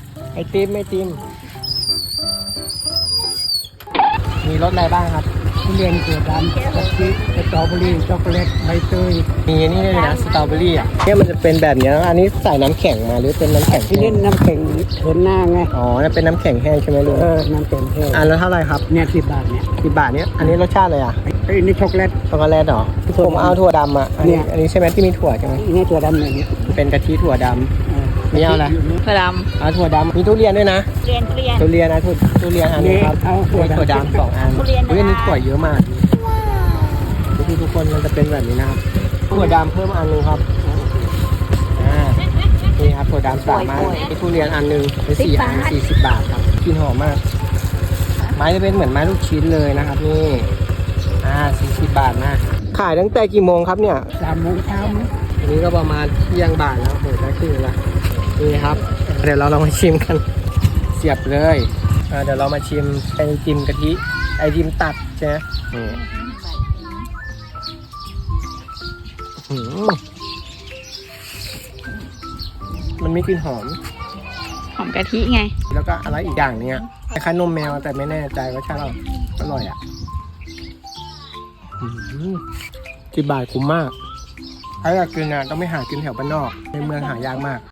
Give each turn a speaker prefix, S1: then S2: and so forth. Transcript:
S1: ไอติมมีรสอะไรบ้างครับ
S2: ทุเรียนเกลือดำกะทิสตรอเบอรี่ช็อกโกแลตใบเตย
S1: มีนี่ด้วยนะสตรอเบอรี่อ่ะเนี่ยมันจะเป็นแบบนี้นะอันนี้ใส่น้ำแข็งมาหรือเป็นน้ำแข็ง
S2: ที่
S1: แห้
S2: เล่
S1: ง
S2: นน้ำแข็งเถินหน้าไง
S1: อ๋อนี่เป็นน้ำแข็งแห้งใช่ไหมลุง
S2: น้ำแข็งแห้ง
S1: อันละเท่าไหร่ครับ
S2: เนี่ย10 บาทเนี่ย
S1: 10 บาทเนี้ยอันนี้รสชาติอะไรอ่ะ
S2: ไอ้นี่ช็อกโกแลต
S1: ช็อกโกแลตเหรอผมเอาถั่วดำอ่ะอันนี้
S2: เนี่ย
S1: อันนี้ใช่ไหมที่มีถั่วใช่ไหม
S2: นี่ตัวดำเนี่ย
S1: เป็นกะทิถั่วดำ นี่เอาอะไร
S3: ถั่วด
S1: เอาถั่วดำมีทุเรียนด้วยนะ
S3: ำเรียน
S1: ทุเรียนนะทุเรียนอันนี้ครับ
S2: เอา
S1: มีถั่วดำ2 อัน
S3: ทุเรียนนะ
S1: อันนี้ถั่วเยอะมากดูทุกคนมันจะเป็นแบบนี้นะครับถั่วดำเพิ่มอันนึงครับนี่ครับถั่วดำ3 อันมีทุเรียนอันนึงเป็น4 อัน40 บาทครับกินหอมมาก ไม้จะเป็นเหมือนไม้ลูกชิ้นเลยนะครับนี่40 บาทนะขายตั้งแต่กี่โมงครับเนี่ย
S2: 3 โมงเช้ามั้ง
S1: อันนี้ก็ประมาณเที่ยงบ่ายแล้วเปิดได้ครึ่งละนี่ครับเดี๋ยวเราลองมาชิมกันเสียบเลยเดี๋ยวเรามาชิมไอติมกะทิไอติมตัดใช่ไหมนี่มันมีกลิ่นหอม
S3: หอมกะทิไง
S1: แล้วก็อะไรอีกอย่างเนี้ยคล้ายๆนมแมวแต่ไม่แน่ใจว่าใช่หรออร่อยอ่ะ10 บาทคุ้มมากถ้าอยากกินต้องไม่หากินแถวบ้านนอกในเมืองหายากมาก